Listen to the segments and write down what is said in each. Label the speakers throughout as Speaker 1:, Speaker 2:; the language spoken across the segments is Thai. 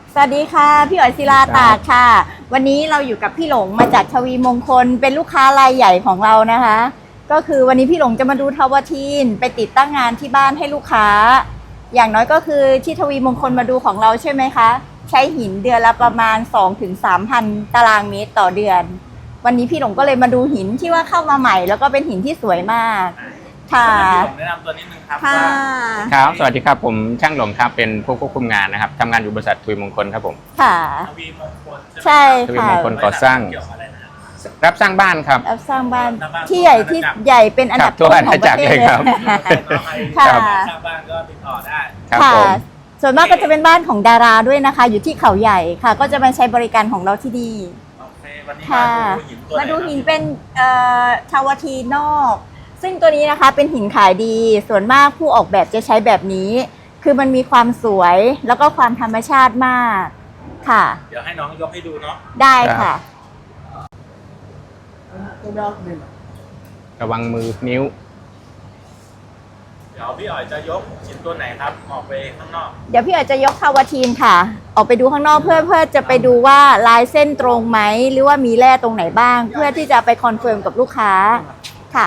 Speaker 1: สวัสดีค่ะพี่อ๋อยศิลาตากค่ะวันนี้เราอยู่กับพี่หลงมาจากทวีมงคลเป็นลูกค้ารายใหญ่ของเรานะคะก็คือวันนี้พี่หลงจะมาดูทาวทีนไปติดตั้งงานที่บ้านให้ลูกค้าอย่างน้อยก็คือที่ทวีมงคลมาดูของเราใช่ไหมคะใช้หินเดือนละประมาณ 2-3,000 ตารางเมตรต่อเดือนวันนี้พี่หลงก็เลยมาดูหินที่ว่าเข้ามาใหม่แล้วก็เป็นหินที่สวยมากค่ะ
Speaker 2: ผมแนะนำตัวนิดนึงครับ
Speaker 3: ครับสวัสดีครับผมช่างหลงครับเป็นผู้ควบคุมงานนะครับทำงานอยู่บริษัททวีมงคลครับผม
Speaker 1: ค่ะ
Speaker 2: ทวีมงคล
Speaker 1: ใช่
Speaker 3: ทวีม
Speaker 1: ค่ะ
Speaker 3: งคลก่อสร้างรับสร้างบ้านครับ
Speaker 1: รับสร้างบ้านที่ใหญ่เป็นอันดับต้นของประเทศเลยครับ
Speaker 2: ค่ะสร้างบ้านก็ติดต่อได้
Speaker 1: ค่ะส่วนมากก็จะเป็นบ้านของดาราด้วยนะคะอยู่ที่เขาใหญ่ค่ะก็จะมาใช้บริการของเราที่ดี
Speaker 2: ค่ะ
Speaker 1: มาดูหินเป็นทาวทีนอกซึ่งตัวนี้นะคะเป็นหินขายดีส่วนมากผู้ออกแบบจะใช้แบบนี้คือมันมีความสวยแล้วก็ความธรรมชาติมากค่ะ
Speaker 2: เดี๋ยวให้น้องยกให้ดูเนาะ
Speaker 1: ได้ค่ะ
Speaker 3: ระวังมือนิ้ว
Speaker 2: เดี๋ยวพี่อ๋อยจะยกชิ้นตัวไหนครับออกไปข้างนอก
Speaker 1: เดี๋ยวพี่อ๋อยจะยกทาวทีนค่ะออกไปดูข้างนอกเพื่อจะไปดูว่าลายเส้นตรงไหมหรือว่ามีแร่ตรงไหนบ้างเพื่อที่จะไปคอนเฟิร์มกับลูกค้าค่ะ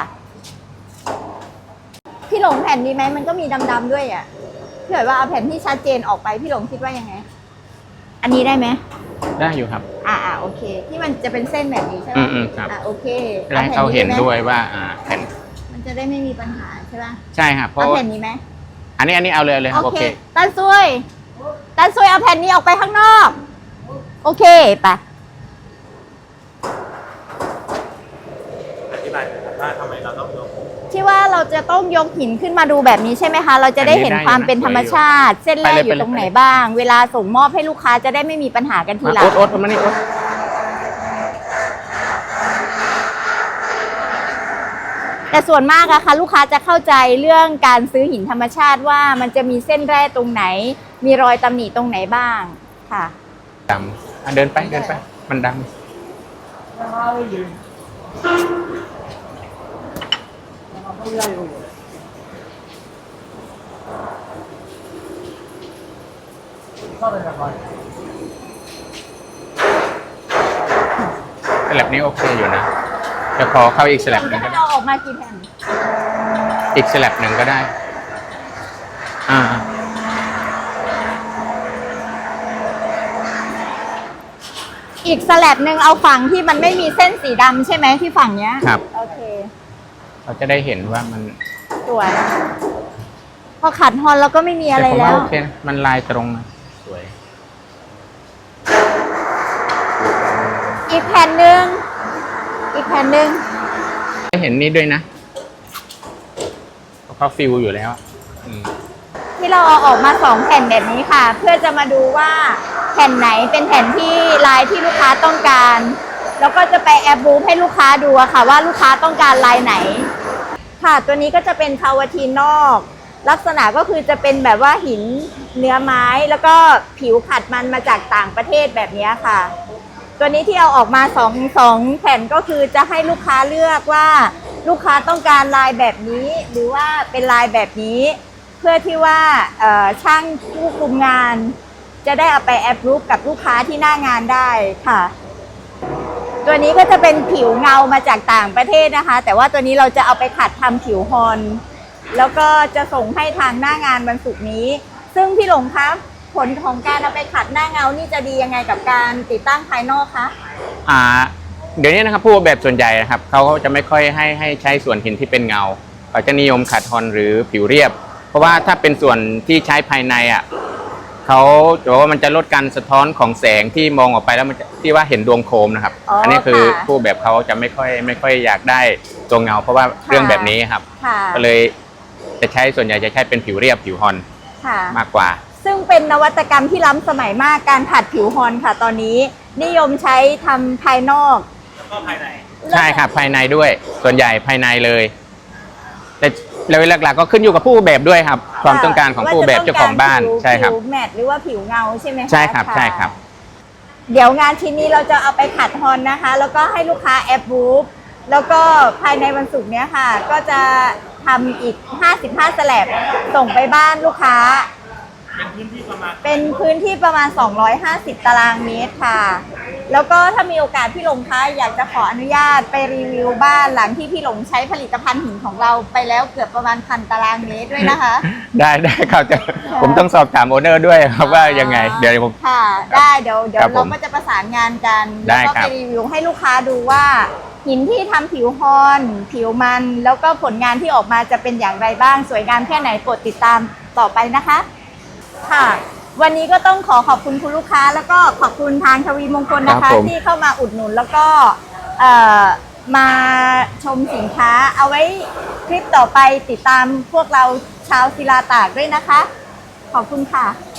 Speaker 1: พี่หลงแผ่นดีไหมมันก็มีดำๆด้วยอ่ะพี่อ๋อยว่าเอาแผ่นที่ชัดเจนออกไปพี่หลงคิดว่ายังไงอันนี้ได้ไหม
Speaker 3: ได้อยู่ครับ
Speaker 1: โอเคที่มันจะเป็นเส้นแบบนี้ใช่ไหม
Speaker 3: ครับ
Speaker 1: โอเค
Speaker 3: ให้เขาเห็นด้วยว่าแผ่น
Speaker 1: มันจะได้ไม่มีปัญหาใช่ป่ะ
Speaker 3: ใช่ครับเพราะ
Speaker 1: แผ่นนี้ไหม
Speaker 3: อันนี้เอาเลยครับโอเค
Speaker 1: ตันซุยเอาแผ่นนี้ออกไปข้างนอกโอเคปะ
Speaker 2: อธิบายว่าทำไมเราต้องยก
Speaker 1: ที่ว่าเราจะต้องยกหินขึ้นมาดูแบบนี้ใช่ไหมคะเราจะได้เห็นความเป็นธรรมชาติเส้นแร่อยู่ตรงไหนบ้างเวลาส่งมอบให้ลูกค้าจะได้ไม่มีปัญหากันทีหลัง
Speaker 3: โอ๊ตมานี่โอ๊ต
Speaker 1: แต่ส่วนมากอะค่ะลูกค้าจะเข้าใจเรื่องการซื้อหินธรรมชาติว่ามันจะมีเส้นแร่ตรงไหนมีรอยตำหนิตรงไหนบ้างค่ะ
Speaker 3: ดำเดินไปมันดำสลับนี้โอเคอยู่นะจะขอเข้าอีกสลับหนึ่งก็ได้
Speaker 1: เราออกมากี่แผ่น
Speaker 3: อีกสลับหนึ่งก็ได้
Speaker 1: อีกสลับหนึ่งเอาฝั่งที่มันไม่มีเส้นสีดำใช่ไหมที่ฝั่งเนี้ย
Speaker 3: ครับ
Speaker 1: โอเค
Speaker 3: เราจะได้เห็นว่ามัน
Speaker 1: สวยพอขัดฮอนแล้วก็ไม่มีอะไรแล้ว
Speaker 3: โอเคมันลายตรงนะสวย
Speaker 1: อีกแผ่นหนึ่ง
Speaker 3: ได้เห็นนี้ด้วยนะเขาฟิลอยู่แล้ว
Speaker 1: ที่เราเอาออกมา2แผ่นแบบนี้ค่ะเพื่อจะมาดูว่าแผ่นไหนเป็นแผ่นที่ลายที่ลูกค้าต้องการแล้วก็จะไปแอบบูฟให้ลูกค้าดูค่ะว่าลูกค้าต้องการลายไหนค่ะตัวนี้ก็จะเป็นทาวทีนนอกลักษณะก็คือจะเป็นแบบว่าหินเนื้อไม้แล้วก็ผิวขัดมันมาจากต่างประเทศแบบนี้ค่ะตัวนี้ที่เอาออกมา2แผ่นก็คือจะให้ลูกค้าเลือกว่าลูกค้าต้องการลายแบบนี้หรือว่าเป็นลายแบบนี้เพื่อที่ว่าช่างผู้คุมงานจะได้เอาไปแอปรูปกับลูกค้าที่หน้างานได้ค่ะตัวนี้ก็จะเป็นผิวเงามาจากต่างประเทศนะคะแต่ว่าตัวนี้เราจะเอาไปขัดทำผิวฮอนแล้วก็จะส่งให้ทางหน้างานวันศุกร์นี้ซึ่งพี่หลงคะผลของการเอาไปขัดหน้าเงานี่จะดียังไงกับการติดตั้งภายนอกคะ
Speaker 3: เดี๋ยวนี้นะครับผู้ออกแบบส่วนใหญ่นะครับเขาจะไม่ค่อยให้ใช้ส่วนหินที่เป็นเงาเขาจะนิยมขัดฮอนหรือผิวเรียบเพราะว่าถ้าเป็นส่วนที่ใช้ภายในเขาบอกว่ามันจะลดการสะท้อนของแสงที่มองออกไปแล้วมันที่ว่าเห็นดวงโคมนะครับอันนี้คือผู้แบบเขาจะไม่ค่อยอยากได้ตัวเงาเพราะว่าเรื่องแบบนี้ครับก็เลยจะใช้ส่วนใหญ่จะใช้เป็นผิวเรียบผิวฮอนมากกว่า
Speaker 1: ซึ่งเป็นนวัตกรรมที่ล้ำสมัยมากการขัดผิวฮอนค่ะตอนนี้นิยมใช้ทำภายนอก
Speaker 2: แล้วก็ภายใน
Speaker 3: ใช่ครับภายในด้วยส่วนใหญ่ภายในเลยแต่เลยหลักๆก็ขึ้นอยู่กับผู้แบบด้วยครับความต้องการของผู้แบบเจ้าของบ้านใช่ครับ
Speaker 1: ผิวแมตต์หรือว่าผิวเงาใช่ไหมคะ
Speaker 3: ใช่ครับใช่ครับ
Speaker 1: เดี๋ยวงานชิ้นนี้เราจะเอาไปขัดฮอนนะคะแล้วก็ให้ลูกค้าแอปบูฟแล้วก็ภายในวันศุกร์นี้ค่ะก็จะทำอีก55สแลบส่งไปบ้านลูกค้า
Speaker 2: เป็นพื้นที่ประมาณ
Speaker 1: เป็นพื้นที่ประมาณ 250 ตารางเมตรค่ะ แล้วก็ถ้ามีโอกาสพี่หลงคะอยากจะขออนุญาตไปรีวิวบ้านหลังที่พี่หลงใช้ผลิตภัณฑ์หินของเราไปแล้วเกือบประมาณ1,000 ตารางเมตรด้วยนะคะ
Speaker 3: ได้ครับผมต้องสอบถามโอเนอร์ด้วยครับว่ายังไง เดี๋ยวผม
Speaker 1: ค่ะ ได้เดี๋ยว
Speaker 3: ครับผม
Speaker 1: เราก็จะประสานงานกัน
Speaker 3: ได้
Speaker 1: แล้วก็
Speaker 3: ครั
Speaker 1: ไป
Speaker 3: บ
Speaker 1: รีวิวให้ลูกค้าดูว่าหินที่ทำผิวฮอนผิวมัน แล้วก็ผลงานที่ออกมาจะเป็นอย่างไรบ้าง สวยงามแค่ไหนโปรดติดตามต่อไปนะคะ ค่ะ วันนี้ก็ต้องขอบคุณคุณลูกค้า แล้วก็ขอบคุณทางทวีมงคลนะ
Speaker 3: ครั
Speaker 1: คะ
Speaker 3: บผม
Speaker 1: ที่เข้ามาอุดหนุนแล้วก็มาชมสินค้า เอาไว้คลิปต่อไปติดตามพวกเราชาวศิลาตากด้วยนะคะ ขอบคุณค่ะ